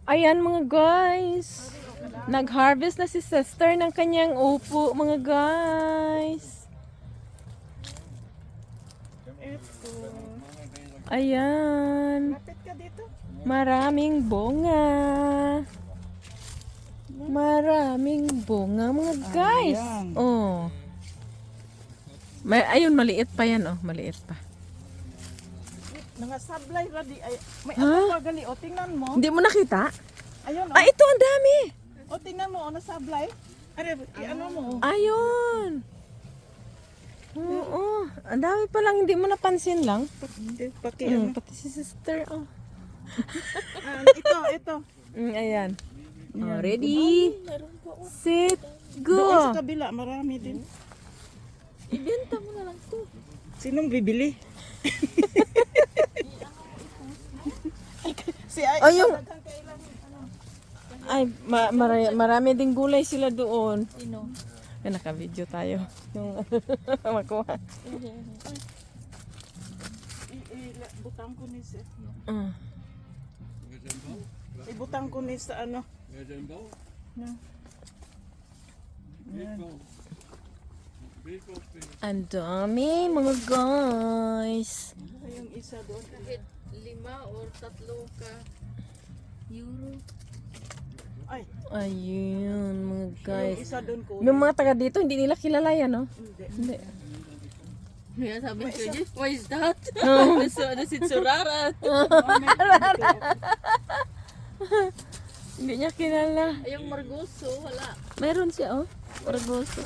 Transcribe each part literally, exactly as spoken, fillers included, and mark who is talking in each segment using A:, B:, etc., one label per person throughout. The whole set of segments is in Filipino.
A: Ayan mga guys. Nag-harvest na si sister ng kanyang upo mga guys.
B: Ito.
A: Ayan.
B: Lapit ka dito.
A: Maraming bunga. Maraming bunga mga guys.
B: Ayan.
A: Oh. May, ayun, maliit pa yan oh. Maliit pa.
B: Mga sablay ready. Ay, may
A: Ha?
B: ano pa gali. O, tingnan mo.
A: Hindi mo nakita?
B: Ayun, o.
A: Ah, ito ang dami.
B: O, tingnan mo. O, nasablay. Are, ano mo.
A: Ayun. Oo. Ang dami pa lang. Hindi mo napansin lang.
B: Hindi, paki
A: Mm,
B: ano.
A: pati si sister. Oh.
B: Ah, ito, ito.
A: Mm, ayan. Oh,
B: Ayan.
A: ready,
B: Meron pa, o.
A: sit,
B: Doon sa
A: go.
B: kabila, marami din.
A: Ibenta mo na lang to.
B: Sinong bibili? si ay,
A: Oh, yung-
B: daghang kailan, ano.
A: Ay, ma- mara- marami ding gulay sila doon.
B: Sino?
A: Ay, naka-video tayo. Yung makuha.
B: I- i- Butang ko ni sa
A: Ah.
B: ibutang ko ni sa ano. No.
A: Ang dami, mga guys.
B: Ay, yung isa doon.
C: Kahit lima or tatlo ka euro.
B: Ay,
A: Ayun, mga
B: yung
A: guys.
B: isa doon ko.
A: Yung mga taga dito, hindi nila kilala yan, no?
B: Hindi.
A: Hindi.
C: Kaya sabi ko niya, why is that? Nasa nasit surarat.
A: Hindi niya kilala.
C: Ay, yung margoso, wala.
A: Meron siya, oh. Orgoso.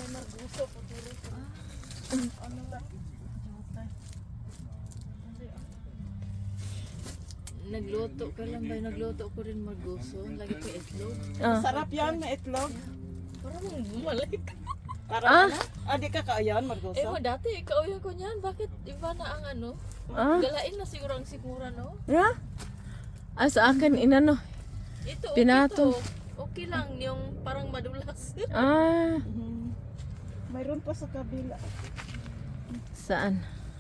C: Nagluto ka lang ba? Nagluto ko rin margoso. Lagi ko itlog.
A: Ah.
B: Sarap yan, may itlog.
C: Parang bumalik.
B: Para
A: Ah.
B: ano? Ah, di ka kaayan,
C: Eh
B: Margosa?
C: mo dati, kauya ko niyan. Bakit iba na ang ano?
A: Ah.
C: Galain na siguro ang sikura, no?
A: Yeah? Ah, sa akin, inano.
C: Ito,
A: Pinato.
C: okay to. Okay lang, yung parang madulas.
A: Ah,
B: Mhm. Mayroon pa sa kabila.
A: saan?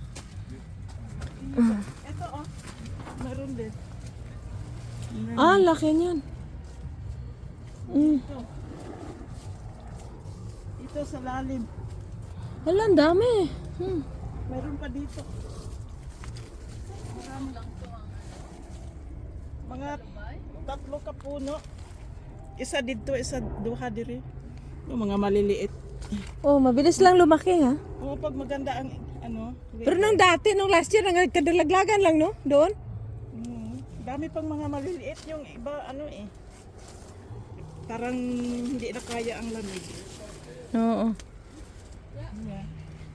B: Ito, oh. Mayroon din. Mayroon.
A: Ah, laki niyan. Mm.
B: Ito. Ito sa lalim.
A: Hala, ang dami. Hmm.
B: Mayroon pa dito. Marami lang to. Mga tatlo ka puno. Isa dito, isa duha diri. Yung mga maliliit.
A: Oh, mabilis lang lumaki, ha?
B: O pag maganda ang ano.
A: Pero nung dati, nung last year, nagkadalaglagan lang, no? Doon?
B: Mm, dami pang mga maliliit yung iba ano eh. Parang hindi na kaya ang lamig.
A: Oo.
B: Yeah.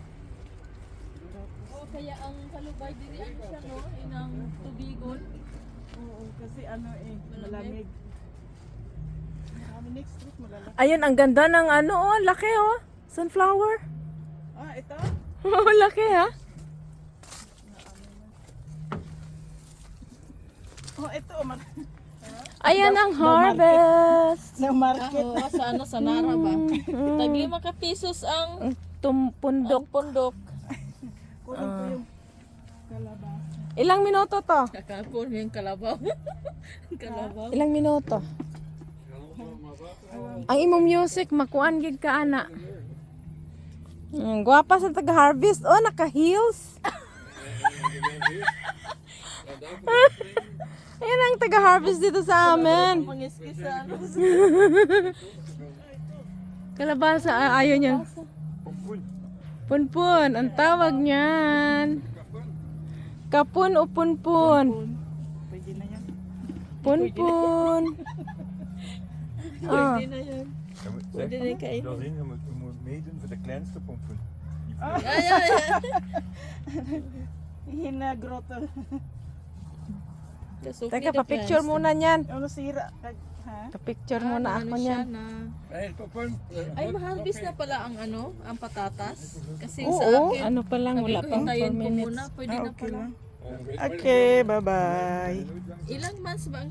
C: O kaya ang kalubay din yan siya, no? Inang tubigon.
B: Oo, kasi ano eh, malamig. Marami next week malalaki.
A: Ayun, ang ganda ng ano, oh, laki, oh. Sunflower.
B: Ah, ito?
A: Oh, laki, ha?
B: Oh, ito. Mar
A: Ayan ang harvest.
B: ng market.
C: Oo, sa ano, sa Nara ba? Tag lima ka pesos ang,
A: Tum
C: ang
A: pundok.
C: pundok.
B: Kunin ko yung kalabasa.
A: Ilang minuto to?
C: Kakapon yung kalabaw. Kalabaw.
A: Ilang minuto? Ang imong music, makuan gid ka ana. Mm, gwapa sa taga-harvest. Oh, naka-heels. Ayan ang taga-harvest dito sa amin.
C: Pangiskisa.
A: Kalabasa, ah, ayaw niya. Punpun, ang tawag niyan. Kapun o punpun?
B: Pwede na yan.
A: Punpun. Ah.
C: Pwede na yan.
D: Ja, moet-
C: Pwede
D: zeg
C: na
D: maar,
C: kainin.
D: Josine, je moet, je moet meedoen voor de kleinste pompoen.
C: Ay, ay, ay.
B: Hinagroto.
C: Kasuki
A: Teka,
C: the
A: pa-picture
C: class.
A: muna niyan.
B: Ano sira? Kag- Ha?
A: Pa-picture
C: Ah,
A: muna
C: ano
A: ako
C: siya
A: niyan.
C: na.
D: Hey, pompoen.
C: Ay, maharbis na pala ang ano, ang patatas. Kasi sa
A: Oo,
C: akin,
A: ano pa lang,
C: sabi
A: wala
C: ko,
A: pang four
C: hintayin ko
A: minutes.
C: muna. Pwede
B: Ah,
C: na
B: okay
C: pala.
B: lang. Okay, bye-bye.
C: Ilang months ba ang